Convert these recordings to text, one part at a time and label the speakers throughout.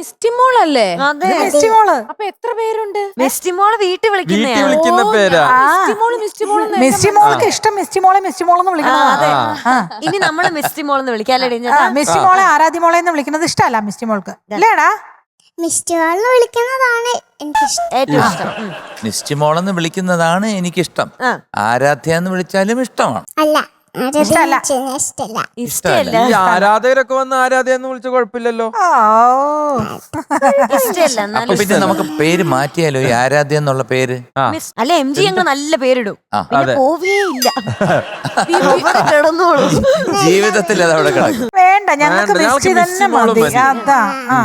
Speaker 1: മിസ്റ്റിമോളല്ലേ?
Speaker 2: അതെ
Speaker 3: മിസ്റ്റിമോള്.
Speaker 1: അപ്പൊ എത്ര പേരുണ്ട്?
Speaker 2: മിസ്റ്റിമോള് വീട്ടിൽ
Speaker 4: വിളിക്കുന്ന പേരാ.
Speaker 3: മിസ്റ്റിമോൾക്ക് ഇഷ്ടം മിസ്റ്റിമോളെന്ന് വിളിക്കുന്നത്.
Speaker 2: ഇനി നമ്മള് മിസ്റ്റിമോളെന്ന് വിളിക്കാല്ലേ?
Speaker 3: മിസ്റ്റിമോളെ ആരാധ്യമോളെ എന്ന് വിളിക്കുന്നത് ഇഷ്ടമല്ല മിസ്റ്റിമോൾക്ക്, അല്ലേടാ?
Speaker 5: മിസ്റ്റിമോളെന്ന് വിളിക്കുന്നതാണ് എനിക്കിഷ്ടം.
Speaker 2: ഏറ്റവും ഇഷ്ടം.
Speaker 4: മിസ്റ്റിമോളെന്ന് വിളിക്കുന്നതാണ് എനിക്കിഷ്ടം. ആരാധ്യ എന്ന് വിളിച്ചാലും ഇഷ്ടമാണ്.
Speaker 5: അല്ല,
Speaker 3: ഇഷ്ടമല്ല.
Speaker 2: ഇഷ്ടമല്ല.
Speaker 4: ഈ ആരാധകരൊക്കെ വന്ന് ആരാധ്യ എന്ന് വിളിച്ച കുഴപ്പമില്ലല്ലോ.
Speaker 2: ഇഷ്ടമല്ല.
Speaker 4: അപ്പൊ പിന്നെ നമുക്ക് പേര് മാറ്റിയാലോ, ഈ ആരാധ്യ എന്നുള്ള പേര്?
Speaker 2: അല്ല, MG അങ്ങ് നല്ല പേരിടും.
Speaker 4: അതെ.
Speaker 2: പോവേയില്ല, കിടന്നോളൂ.
Speaker 4: ജീവിതത്തിൽ അത് അവിടെ കിടക്കും.
Speaker 3: വേണ്ട, ഞങ്ങൾക്ക് മിസ്റ്റി തന്നെ മതി. അതാ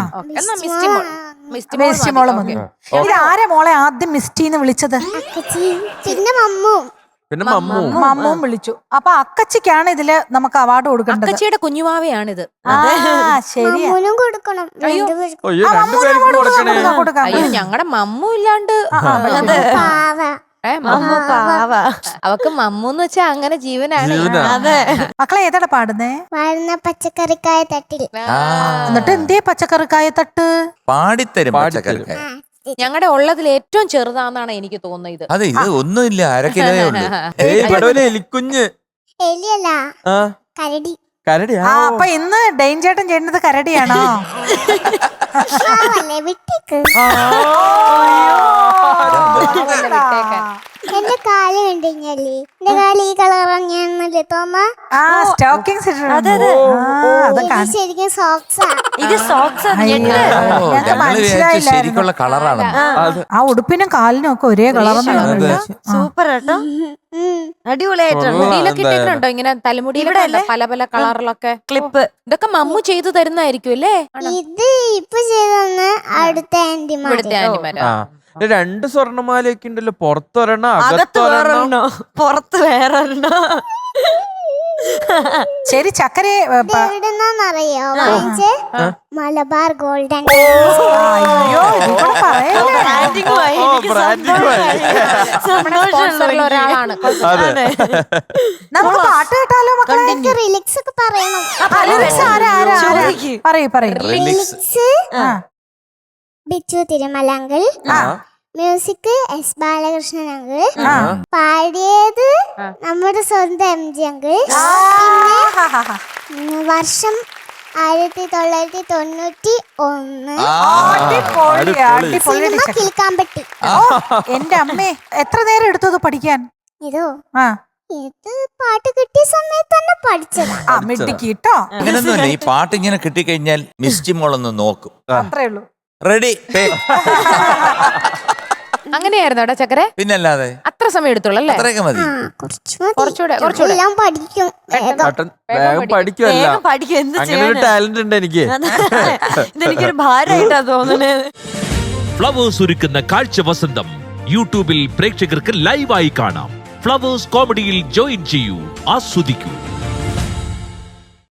Speaker 3: മിസ്റ്റിമോള് മതി. ഇത് ആരെ മോളെ ആദ്യം മിസ്റ്റിന്ന് വിളിച്ചത്?
Speaker 5: പിന്നെ മമ്മും.
Speaker 4: പിന്നെ
Speaker 3: മമ്മും വിളിച്ചു. അപ്പൊ അക്കച്ചിക്കാണ് ഇതില് നമുക്ക് അവാർഡ് കൊടുക്കേണ്ടത്.
Speaker 1: അക്കച്ചിയുടെ കുഞ്ഞുമാവയാണിത്.
Speaker 3: ശരിയാ.
Speaker 5: മമ്മുനും കൊടുക്കണം.
Speaker 3: കൊടുക്കാം.
Speaker 1: അയ്യോ, ഞങ്ങളുടെ മമ്മു ഇല്ലാണ്ട്
Speaker 2: മമ്മു പാവ.
Speaker 1: അവക്ക് മമ്മൂന്ന് വെച്ചാ അങ്ങനെ ജീവനാണ്.
Speaker 2: അതെ.
Speaker 3: മക്കളെ ഏതാടാ പാടുന്നേ?
Speaker 5: വരുന്ന പച്ചക്കറിക്കായ തട്ടിൽ.
Speaker 3: എന്നിട്ട് എന്തേ പച്ചക്കറിക്കായ തട്ട്?
Speaker 4: പാടിത്തരും പച്ചക്കറിക്കായ.
Speaker 1: ഞങ്ങളുടെ ഉള്ളതിൽ ഏറ്റവും ചെറുതാന്നാണ് എനിക്ക് തോന്നുന്നത്.
Speaker 4: അതെ, ഇത് ഒന്നുമില്ല, 1/2 കിലോയേ ഉള്ളൂ. എലിക്കുഞ്ഞ്.
Speaker 5: എലിയല്ല, കരടി.
Speaker 4: കരടിയാ?
Speaker 3: അപ്പൊ ഇന്ന് ഡെയിൻചേട്ടൻ ചെയ്യുന്നത് കരടിയാണോ?
Speaker 5: വിട്ടേക്ക്. എന്റെ കാല് കണ്ടുകഴിഞ്ഞാല് എന്റെ കാല് ഈ കളറാണ് തോന്നാ. ശരിക്കും സോക്സാ.
Speaker 2: ഇത് സോക്സ്.
Speaker 4: ശരിക്കുള്ള കളറാണ്.
Speaker 3: ആ ഉടുപ്പിനും കാലിനും ഒക്കെ ഒരേ കളറൊന്നും.
Speaker 2: സൂപ്പർ കേട്ടോ, അടിപൊളിയായിട്ടുണ്ട്.
Speaker 1: മുടിയിലൊക്കെ ഇട്ടിട്ടുണ്ടോ ഇങ്ങനെ? തലമുടിയിലൊക്കെ പല പല കളറിലൊക്കെ ക്ലിപ്പ്. ഇതൊക്കെ മമ്മു ചെയ്തു തരുന്നതായിരിക്കും അല്ലേ?
Speaker 5: ഇത് ഇപ്പൊ ചെയ്തെന്ന് അടുത്ത
Speaker 1: ആന്റിമാരാ.
Speaker 4: 2 സ്വർണ്ണമാലയൊക്കെ ഉണ്ടല്ലോ, പുറത്തൊരെണ്ണം
Speaker 2: അകത്ത് വേറെണ്ണോ പുറത്ത് വേറെണ്ണോ.
Speaker 3: ശരി, ചക്കര
Speaker 5: എവിടെന്നറിയോ വാങ്ങിച്ച്? മലബാർ ഗോൾഡൻ.
Speaker 1: ഒരാളാണ്.
Speaker 3: നമുക്ക് പാട്ട് കേട്ടാലോ മക്കളെ?
Speaker 5: റിലിക്സ് ഒക്കെ പറയണം.
Speaker 3: റിലിക്സ്
Speaker 5: ബിച്ചു തിരുമലങ്കിൾ, മ്യൂസിക് എസ് ബാലകൃഷ്ണൻ അങ്കിൾ, പാടിയത് നമ്മുടെ സ്വന്തം MG അങ്കിൾ. പിന്നെ വർഷം 1991. സിനിമ കിൽക്കാമ്പട്ടി.
Speaker 3: എന്റെ അമ്മേ, എത്ര നേരം എടുത്തത് പഠിക്കാൻ?
Speaker 5: ഇതോ ഇത് പാട്ട് കിട്ടിയ സമയത്ത് തന്നെ പഠിച്ചത്.
Speaker 3: മിടുക്കിട്ടോ.
Speaker 4: അങ്ങനൊന്നുമില്ല, ഈ പാട്ട് ഇങ്ങനെ കിട്ടിക്കഴിഞ്ഞാൽ മിസ്റ്റിമോളൊന്ന് നോക്കും.
Speaker 3: അത്രേ ഉള്ളൂ.
Speaker 4: റെഡി.
Speaker 1: അങ്ങനെയായിരുന്നു അവിടെ ചക്കരെ?
Speaker 4: പിന്നല്ലാതെ.
Speaker 1: അത്ര സമയം എടുത്തോളൂ അല്ലേ?
Speaker 4: അത്രയൊക്കെ മതി.
Speaker 1: കുറച്ചുകൂടെ
Speaker 5: എല്ലാം പഠിക്കും.
Speaker 4: വേഗം പഠിക്കുമല്ല, അങ്ങനെ ഒരു ടാലന്റ് ഉണ്ട് എനിക്ക്.
Speaker 2: ഇതെനിക്കൊരു ഭാരമായിട്ടാ തോന്നുന്നത്.
Speaker 6: ഫ്ലവേഴ്സ് ഒരുക്കുന്ന കാഴ്ച വസന്തം യൂട്യൂബിൽ പ്രേക്ഷകർക്ക് ലൈവായി കാണാം. ഫ്ലവേഴ്സ് കോമഡിയിൽ ജോയിൻ ചെയ്യൂ, ആസ്വദിക്കൂ.